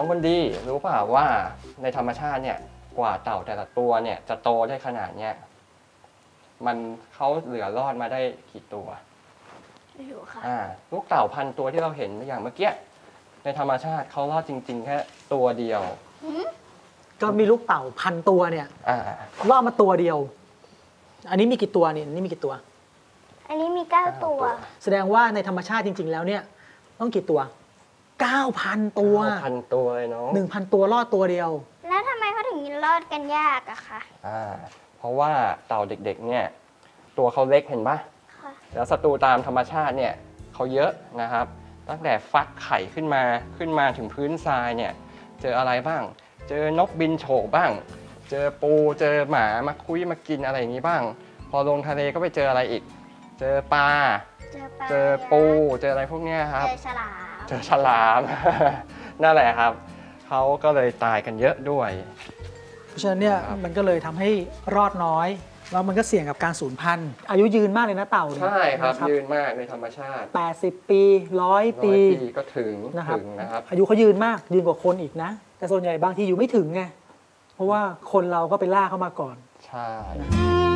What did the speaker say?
องคนดีรู้เปล่าว่าในธรรมชาติเนี่ยกว่าเต่าแต่ละตัวเนี่ยจะโตได้ขนาดเนี้ยมันเขาเหลือรอดมาได้กี่ตัวไม่รู้ค่ะลูกเต่าพันตัวที่เราเห็นอย่างเมื่อกี้ในธรรมชาติเขารอดจริงๆแค่ตัวเดียวก็มีลูกเต่าพันตัวเนี่ยรอดมาตัวเดียว อันนี้มีกี่ตัวนี่อันนี้มีกี่ตัวอันนี้มี9ตัวแสดงว่าในธรรมชาติจริงๆแล้วเนี่ยต้องกี่ตัว 9,000 ตัว 9,000 ตัวเลยเนาะ 1,000 ตัวรอดตัวเดียวแล้วทำไมเขาถึงรอดกันยากอะคะเพราะว่าเต่าเด็กๆเนี่ยตัวเขาเล็กเห็นปะแล้วศัตรูตามธรรมชาติเนี่ยเขาเยอะนะครับตั้งแต่ฟักไข่ขึ้นมาถึงพื้นทรายเนี่ยเจออะไรบ้างเจอนกบินโฉบบ้างเจอปูเจอหมามาคุยมากินอะไรอย่างนี้บ้างพอลงทะเลก็ไปเจออะไรอีกเจอปลาเจอปูเจออะไรพวกนี้ครับเจอฉลาม นั่นแหละครับเขาก็เลยตายกันเยอะด้วยเพราะฉะนั้นเนี่ยมันก็เลยทำให้รอดน้อยแล้วมันก็เสี่ยงกับการสูญพันธุ์อายุยืนมากเลยนะเต่าใช่ครับยืนมากในธรรมชาติ 80 ปี100 ปีก็ถึงนะครับอายุเขายืนมากยืนกว่าคนอีกนะแต่ส่วนใหญ่บางทีอยู่ไม่ถึงไงเพราะว่าคนเราก็ไปล่าเข้ามาก่อนใช่